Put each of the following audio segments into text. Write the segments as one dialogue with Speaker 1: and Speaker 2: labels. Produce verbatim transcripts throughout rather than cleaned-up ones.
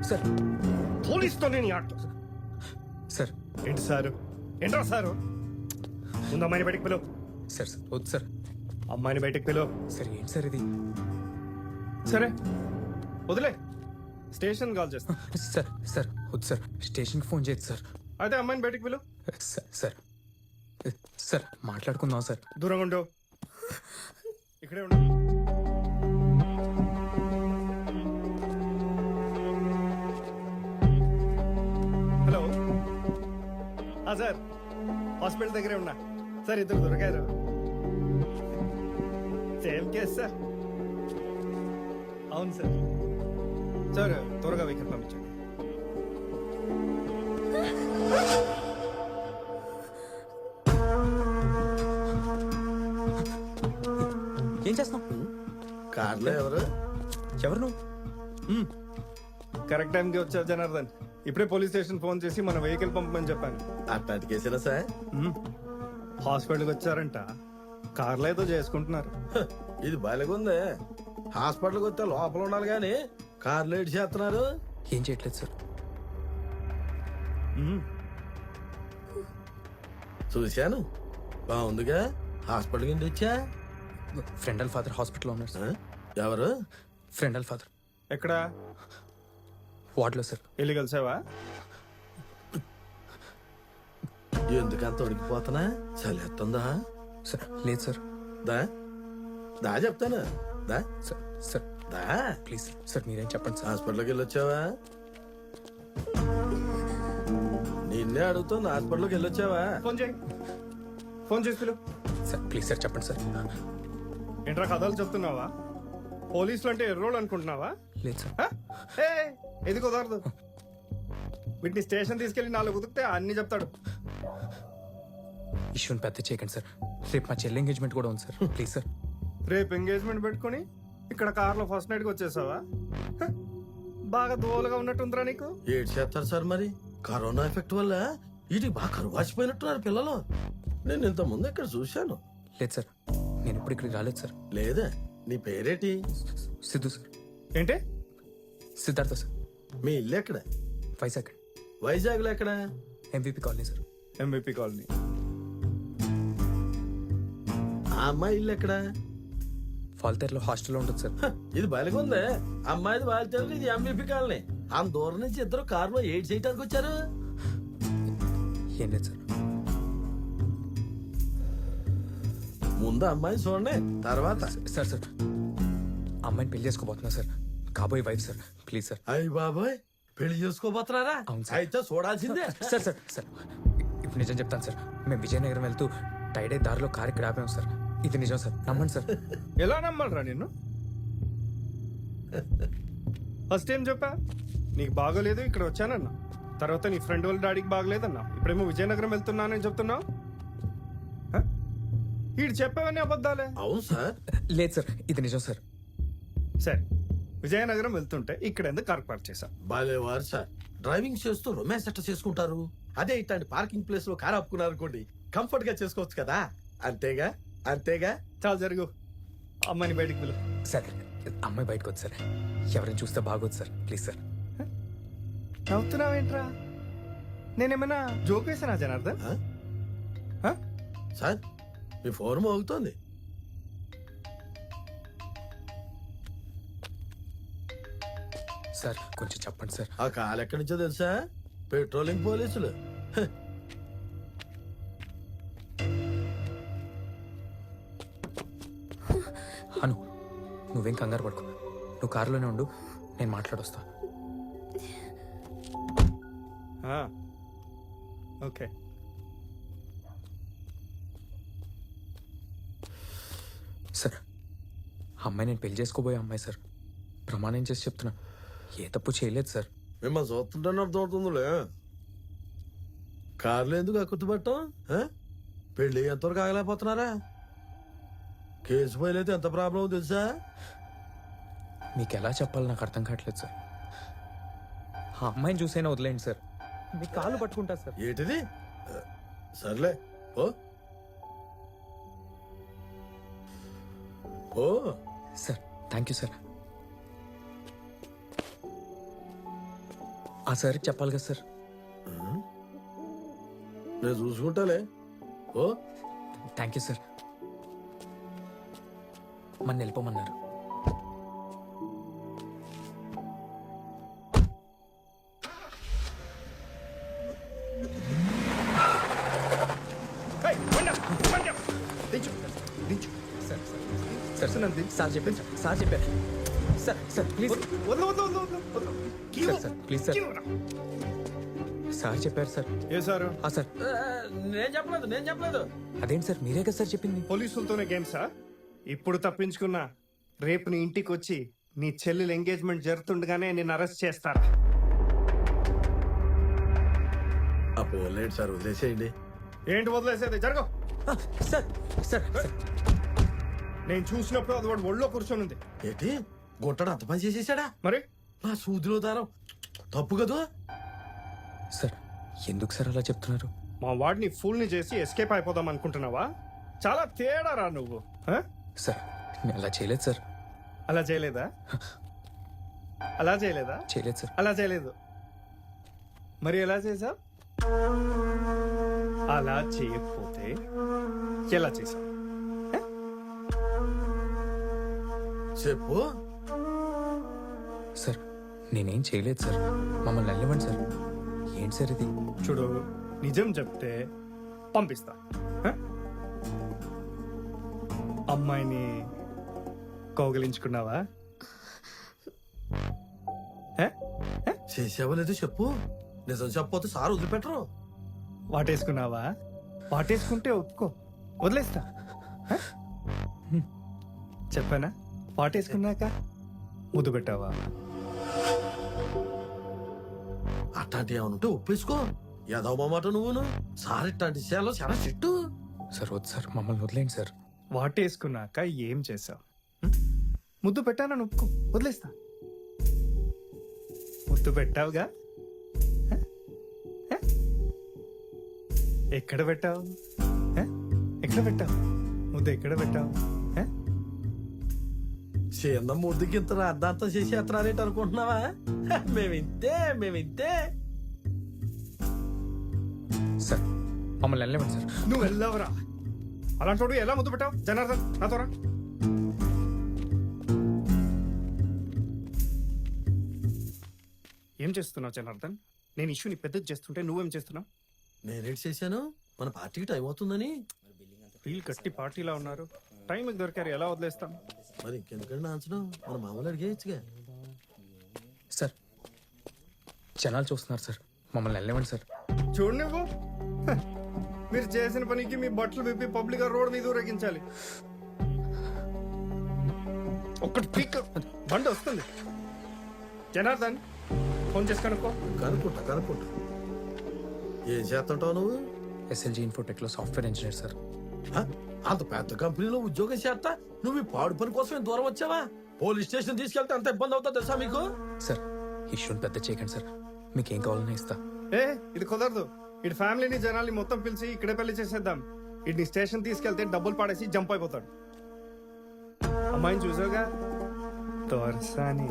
Speaker 1: Sir
Speaker 2: పోలీస్తో నేను ఆట
Speaker 1: sir
Speaker 2: ఏంటి సారు ఏంట్రా సారు ముందు అమ్మాయిని బయటకు పిలువు.
Speaker 1: సార్ సార్ వద్దు సార్.
Speaker 2: అమ్మాయిని బయటకు పిలువు.
Speaker 1: సార్ ఏంటి సార్ ఇది?
Speaker 2: సరే వదిలే, స్టేషన్ కాల్ చేస్తా.
Speaker 1: సార్ సార్ వద్దు సార్, స్టేషన్కి ఫోన్ చేయొచ్చు సార్.
Speaker 2: అయితే అమ్మాయిని బయటకు పిలువు.
Speaker 1: సార్ సార్ సార్ మాట్లాడుకుందాం సార్.
Speaker 2: దూరంగా ఉండు, ఇక్కడే ఉండు. హలో సార్, హాస్పిటల్ దగ్గరే ఉన్నా సార్. ఇద్దరు దొరికారు. Same case sir. అవును సార్. సార్ త్వరగా వెహికల్ పంపించండి.
Speaker 1: ఏం చేస్తున్నావు?
Speaker 3: కార్లో ఎవరు
Speaker 1: ఎవరు నువ్వు?
Speaker 2: కరెక్ట్ టైంకి వచ్చావు జనార్దన్. ఇప్పుడే పోలీస్ స్టేషన్ ఫోన్ చేసి మన వెహికల్ పంపమని చెప్పాను.
Speaker 3: అట్లాంటి కేసులా సార్?
Speaker 2: హాస్పిటల్కి వచ్చారంట, కార్లో ఏదో చేసుకుంటున్నారు.
Speaker 3: హ, ఇది బాలేగుందే. హాస్పిటల్కి వస్తే లోపల ఉండాలి కానీ కార్లో ఏడు చేస్తున్నారు.
Speaker 1: ఏం చేయట్లేదు సార్.
Speaker 3: చూశాను, బాగుందిగా. హాస్పిటల్ కింద వచ్చా.
Speaker 1: ఫ్రెండ్ వాళ్ళ ఫాదర్ హాస్పిటల్లో ఉన్నారు సార్.
Speaker 3: ఎవరు?
Speaker 1: ఫ్రెండ్ వాళ్ళ ఫాదర్.
Speaker 2: ఎక్కడ?
Speaker 1: వార్డులో సార్.
Speaker 2: వెళ్ళి కలిసావా?
Speaker 3: ఎందుకంత ఉడికిపోతున్నా? చలేస్తుందా?
Speaker 1: సార్ లేదు సార్.
Speaker 3: దా దా చెప్తాను. దా
Speaker 1: సార్ సార్
Speaker 3: దా
Speaker 1: ప్లీజ్ సార్. సార్ మీరేం చెప్పండి సార్.
Speaker 3: హాస్పిటల్కి వెళ్ళొచ్చావా? నిన్నే అడుగుతుంది, హాస్పిటల్కి వెళ్ళొచ్చావా?
Speaker 2: ఫోన్ చేయి, ఫోన్ చేసి పిలువు.
Speaker 1: సార్ ప్లీజ్ సార్ చెప్పండి సార్.
Speaker 2: ఏంట్రా కథలు చెప్తున్నావా? పోలీసులు అంటే ఎర్రోళ్ళు అనుకుంటున్నావా?
Speaker 1: లేదు సార్.
Speaker 2: హ? ఏ ఇది కుదరదు. వీటిని స్టేషన్ తీసుకెళ్లి నాలుగు కుదిరితే అన్ని చెప్తాడు.
Speaker 1: ఇష్యూని పెద్ద చేయకండి సార్. రేపు మా చెల్లి ఎంగేజ్మెంట్ కూడా ఉంది సార్. Please sir.
Speaker 2: రేపు ఎంగేజ్మెంట్ పెట్టుకుని ఇక్కడ కార్లో ఫస్ట్ నైట్కి వచ్చేసావా? హ? బాగా దోలుగా ఉన్నట్టుందిరా నీకు.
Speaker 3: ఏడు చేస్తారు సార్ మరి. కరోనా ఎఫెక్ట్ వల్ల వీటికి బాగా కరువు వాచిపోయినట్టున్నారు పిల్లలు. నేను ఇంత ముందు ఇక్కడ చూశాను.
Speaker 1: లేదు సార్, నేను ఇప్పుడు ఇక్కడికి రాలేదు సార్.
Speaker 3: లేదా? నీ పేరేటి?
Speaker 1: సిద్ధు సార్.
Speaker 2: ఏంటి?
Speaker 1: సిద్ధార్థ సార్.
Speaker 3: మీ ఇల్లు ఎక్కడ?
Speaker 1: వైజాగ్.
Speaker 3: వైజాగ్ లో ఎక్కడ?
Speaker 1: MVP colony sir.
Speaker 2: MBP colony.
Speaker 3: ఆ అమ్మాయి ఇల్లు ఎక్కడ?
Speaker 1: ఫాల్తేర్లో హాస్టల్లో ఉంటుంది సార్.
Speaker 3: హ, ఇది బలిగుందే. అమ్మాయిది బాలితేరు, ఇది ఎంబీపీ కాలనీ. ఆ దూరం నుంచి ఇద్దరు కారులో ఏడ్ చేయడానికి వచ్చారు.
Speaker 1: ఏం లేదు సార్.
Speaker 3: ముందు అమ్మాయి చూడండి, తర్వాత.
Speaker 1: సార్ సార్ అమ్మాయిని పెళ్లి చేసుకోబోతున్నా సార్. కాబోయే వైఫ్ సార్. Please sir.
Speaker 3: అయ్యి బాబాయ్, పెళ్లి చేసుకోబోతున్నారా?
Speaker 1: అవును సార్.
Speaker 3: అయితే చూడాల్సిందే.
Speaker 1: సార్ సార్ సార్ ఇప్పుడు నిజం చెప్తాను సార్. మేము విజయనగరం వెళ్తూ టైడే దారిలో కారు ఇక్కడ ఆపాము సార్. ఇది నిజం సార్, నమ్మండి సార్.
Speaker 2: ఎలా నమ్మాలరా నిన్ను? ఫస్ట్ ఏం చెప్పా? నీకు బాగోలేదు, ఇక్కడ వచ్చానన్నా. తర్వాత నీ ఫ్రెండ్ వాళ్ళ డాడీకి బాగలేదన్నా. ఇప్పుడేమో విజయనగరం వెళ్తున్నానని చెప్తున్నావు. వీడు చెప్పావని అబద్ధాలే.
Speaker 3: అవును సార్.
Speaker 1: లేదు సార్, ఇది నిజం సార్.
Speaker 2: సరే, విజయనగరం వెళ్తుంటే ఇక్కడ ఎందుకు కార్ పార్క్ చేశా?
Speaker 3: బాలేవారు సార్. డ్రైవింగ్ చేస్తూ రొమాన్స్ ఎట్లా చేసుకుంటారు? అదే ఇట్లాంటి పార్కింగ్ ప్లేస్ లో కార్ ఆపుకున్నారు అనుకోండి, కంఫర్ట్ గా చేసుకోవచ్చు కదా. అంతేగా అంతేగా.
Speaker 2: చాలా జరుగు, అమ్మాయిని బయటికి పిలు.
Speaker 1: సార్ అమ్మాయి బయటకు వద్దు సార్. ఎవరైనా చూస్తే బాగోదు సార్. Please sir.
Speaker 2: నవ్వుతున్నావేంట్రా? నేనేమైనా జోక్ వేసానా జనార్దన్?
Speaker 3: ఆ?
Speaker 2: హ?
Speaker 3: సార్ మీ ఫోన్ మోగుతోంది.
Speaker 1: సార్ కొంచెం చెప్పండి సార్.
Speaker 3: ఆ కాల్ ఎక్కడి నుంచో తెలుసా? పెట్రోలింగ్ పోలీసులు. హ.
Speaker 1: అను నువ్వేం కంగారు పడుకో. నువ్వు కారులోనే ఉండు, నేను మాట్లాడొస్తా.
Speaker 2: ఆ, ఓకే.
Speaker 1: సార్ అమ్మాయి నేను పెళ్లి చేసుకోబోయే అమ్మాయి సార్. ప్రమాణం చేసి చెప్తున్నా, ఏ తప్పు చేయలేదు సార్.
Speaker 3: మిమ్మల్ని చూస్తుంటేనే అర్థమవుతుందిలే. కార్లో ఎందుకు అక్కుతుపట్టం? పెళ్ళి ఎంతవరకు ఆగలేకపోతున్నారా? కేసు ఫైల్ అయితే ఎంత ప్రాబ్లం తెలుసా?
Speaker 1: మీకు ఎలా చెప్పాలో నాకు అర్థం కావట్లేదు సార్. ఆ అమ్మాయిని చూసైనా వదిలేండి సార్. మీ కాళ్ళు పట్టుకుంటా సార్.
Speaker 3: ఏంటిది? సర్లే ఓ ఓ
Speaker 1: సార్ థ్యాంక్ యూ సార్. ఆ సార్కి చెప్పాలి కదా సార్.
Speaker 3: నేను చూసుకుంటాలే. ఓ
Speaker 1: థ్యాంక్ యూ సార్. మన వెళ్ళిపోమన్నారు.
Speaker 2: ఏయ్, బండి ఆపు, బండి ఆపు. దించు దించు
Speaker 1: సార్
Speaker 2: సార్ సార్ నన్ను దించు.
Speaker 1: సార్ చెప్పారు సార్. సార్ చెప్పారు సార్. సార్ ప్లీజ్
Speaker 2: వద్దు వద్దు వద్దు వద్దు వద్దు కీ
Speaker 1: సార్,
Speaker 2: ఇవ్వు.
Speaker 1: Sir, please sir.
Speaker 2: కీ ఇవ్వరా.
Speaker 1: సార్ చెప్పారు సార్.
Speaker 2: ఏ సారు
Speaker 1: ఆ సార్
Speaker 3: నేను చెప్పలేదు నేను చెప్పలేదు.
Speaker 1: అదేంటి సార్ మీరే కదా సార్ చెప్పింది.
Speaker 2: పోలీసులతోనే గేమ్సా? ఇప్పుడు తప్పించుకున్నా రేపు నీ ఇంటికి వచ్చి నీ చెల్లెలు ఎంగేజ్మెంట్ జరుగుతుండగానే నేను అరెస్ట్ చేస్తారా?
Speaker 3: అప్పు లేట్ సార్, వదిలేసేయండి.
Speaker 2: ఏంటి వదిలేసేది? జరగ.
Speaker 1: ఆ, సార్ సార్ సార్.
Speaker 2: నేను చూసినప్పుడు అది వాడు ఒళ్ళో కూర్చొని ఉంది.
Speaker 3: ఏంటి గుంటడు అంత పని చేసేసాడా?
Speaker 2: మరి
Speaker 3: నా సూదిలో దారం తప్పు కదా.
Speaker 1: సార్ ఎందుకు సార్ అలా చెప్తున్నారు?
Speaker 2: మా వాడిని ఫుల్ ని చేసి ఎస్కేప్ అయిపోదాం అనుకుంటున్నావా? చాలా తేడా రా నువ్వు. ఆ?
Speaker 1: సార్ నేను అలా చేయలేదు సార్.
Speaker 2: అలా చేయలేదా? అలా చేయలేదా?
Speaker 1: చేయలేదు సార్.
Speaker 2: అలా చేయలేదు. మరి ఎలా చేసా? అలా చేయకపోతే ఎలా చేసా?
Speaker 3: చెప్పు.
Speaker 1: సార్ నేనేం చేయలేదు సార్. మమ్మల్ని వెళ్ళమండి సార్. ఏంటి సార్ ఇది?
Speaker 2: చూడు, నిజం చెప్తే పంపిస్తా. ఆ? అమ్మాయిని కౌగిలించుకున్నావా? ఆ? ఆ?
Speaker 3: చేసావో లేదో చెప్పు. నిజం చెప్పపోతే సార్ వదిలిపెట్టరు.
Speaker 2: వాటేసుకున్నావా? వాటేసుకుంటే ఒప్పుకో, వదిలేస్తా. ఆ? చెప్పానా? వాటేసుకున్నాక ముద్దు పెట్టావా?
Speaker 3: అట్లాంటి ఏమైనా ఉంటే ఒప్పేసుకో. ఏదో మాట నువ్వును. సార్ ఇట్లాంటి విషయాల్లో చాలా చెట్టు.
Speaker 1: సార్ వద్దు సార్, మమ్మల్ని వదిలేండి సార్.
Speaker 2: వాటేసుకున్నాక ఏం చేసావు? ముద్దు పెట్టానని ఒప్పుకో, వదిలేస్తా. ముద్దు పెట్టావుగా? ఆ? ఆ? ఎక్కడ పెట్టావు? ఆ? ఎక్కడ పెట్టావు ముద్దు? ఎక్కడ పెట్టావు? ఆ?
Speaker 3: చిన్న ముద్దుకి ఇంత అర్ధాంతం చేసి ఎత్తనారేంటి అనుకుంటున్నావా? మేమింతే మేమింతే.
Speaker 1: సార్ మమ్మల్ని వెళ్ళమండి సార్.
Speaker 2: నువ్వు వెళ్ళవరా? అలాంటి వాడు ఎలా ముద్దు పెట్టావు? జనార్దన్, నాతో రా. ఏం చేస్తున్నావు జనార్దన్? నేను ఇష్యూని పెద్దది చేస్తుంటే నువ్వేం చేస్తున్నావు?
Speaker 3: నేనేటి చేశాను? మన పార్టీకి టైం అవుతుందని.
Speaker 2: వీళ్ళు కట్టి పార్టీలా ఉన్నారు. టైంకి దొరికారు, ఎలా వదిలేస్తాం?
Speaker 3: మరి ఇంకెందుకంటే నాంచడం, మన మామూలు అడిగేయచ్చుగా.
Speaker 1: సార్ జనాలు చూస్తున్నారు సార్. మమ్మల్ని వెళ్ళమండి సార్.
Speaker 2: చూడు నువ్వు, హ, మీరు చేసిన పనికి మీ బట్టలు విప్పి పబ్లిక్ గా రోడ్ మీద ఊరేగించాలి. ఒక్కటి పీక్ బండి వస్తుంది. జనార్దన్, ఫోన్ చేసి కనుక్కో.
Speaker 3: కనుక్కుంటా కనుక్కుంటా. ఏం చేస్తుంటావు నువ్వు?
Speaker 1: ఎస్ఎల్జీ ఇన్ఫోటెక్ లో సాఫ్ట్వేర్ ఇంజనీర్ సార్.
Speaker 3: హ? అంత పెద్ద కంపెనీలో ఉద్యోగం చేస్తా నువ్వు ఈ పాడు పని కోసం దూరం వచ్చావా? పోలీస్ స్టేషన్ తీసుకెళ్తే అంత ఇబ్బంది అవుతా తెలుసా మీకు?
Speaker 1: సార్ ఇష్యూని పెద్ద చేయకండి సార్. మీకేం కావాలన్నా ఇస్తా.
Speaker 2: ఏ ఇది కుదరదు. ఇటు ఫ్యామిలీని జనాల్ని మొత్తం పిలిచి ఇక్కడే పెళ్లి చేసేద్దాం. ఇటు స్టేషన్ తీసుకెళ్తే డబ్బులు పాడేసి జంప్ అయిపోతాడు. అమ్మాయిని చూసావుగా, తోర్సాని.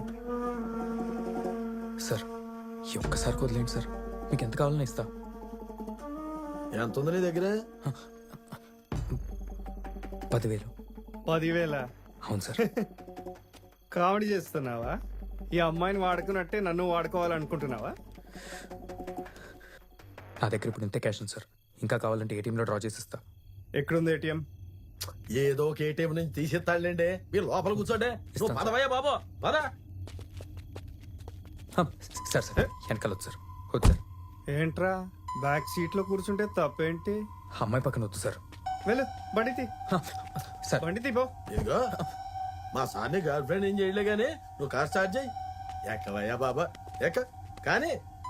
Speaker 1: సార్ ఈ ఒక్కసారి వదిలేండి సార్. మీకు ఎంత కావాలన్నా ఇస్తా.
Speaker 3: ఎంత ఉంది నీ దగ్గర?
Speaker 1: పదివేలు.
Speaker 2: పదివేల?
Speaker 1: అవును సార్.
Speaker 2: కామెడీ చేస్తున్నావా? ఈ అమ్మాయిని వాడుకున్నట్టే నన్ను వాడుకోవాలనుకుంటున్నావా?
Speaker 1: నా దగ్గర ఇప్పుడు ఇంతే క్యాష్ ఉంది సార్. ఇంకా కావాలంటే ఏటీఎంలో డ్రా చేసి ఇస్తా.
Speaker 2: ఎక్కడుంది ఏటీఎం?
Speaker 3: ఏదో ఒక ఏటీఎం నుంచి తీసేస్తాడులేండి. మీరు లోపల కూర్చోండి. నువ్వు
Speaker 1: ఇస్తాను
Speaker 3: పదవయ్యా బాబు, పద.
Speaker 1: హ, సార్ సార్ వెనకాల వద్దు సార్. వద్దు సార్.
Speaker 2: ఏంట్రా బ్యాక్ సీట్ లో కూర్చుంటే తప్పేంటి?
Speaker 1: అమ్మాయి పక్కన వద్దు సార్.
Speaker 2: వెళ్ళు, బండితి
Speaker 1: హ, సార్
Speaker 2: బండితి పో.
Speaker 3: ఇదిగో మా సార్ని గర్ల్ ఫ్రెండ్ ఏం చేయలే గానీ నువ్వు కార్ స్టార్ట్ చేయి. ఎక్కవయ్యా బాబా, ఎక్క. కానీ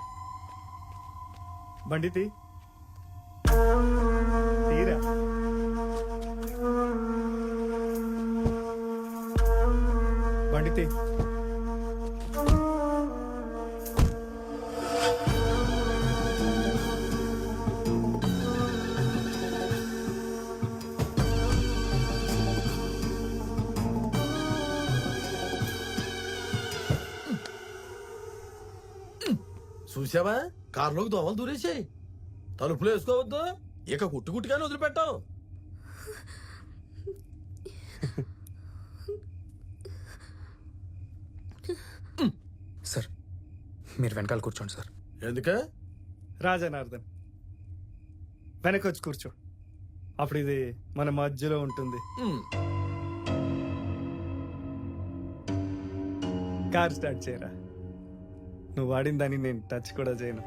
Speaker 2: బండితి తీరా. బండితి
Speaker 3: చూసావా కారులోకి దోమలు దూరేసాయి. తలుపులు వేసుకోవద్దు, ఇక కుట్టు కుట్టుగానే వదిలిపెట్టావు.
Speaker 1: సార్ మీరు వెనకాల కూర్చోండి సార్.
Speaker 3: ఎందుకే?
Speaker 2: రాజనార్దన్ వెనక్కి వచ్చి కూర్చో. అప్పుడు ఇది మన మధ్యలో ఉంటుంది.
Speaker 3: ఉమ్,
Speaker 2: కార్ స్టార్ట్ చేయరా. నువ్వు వాడిన దాన్ని నేను టచ్ కూడా చేయను.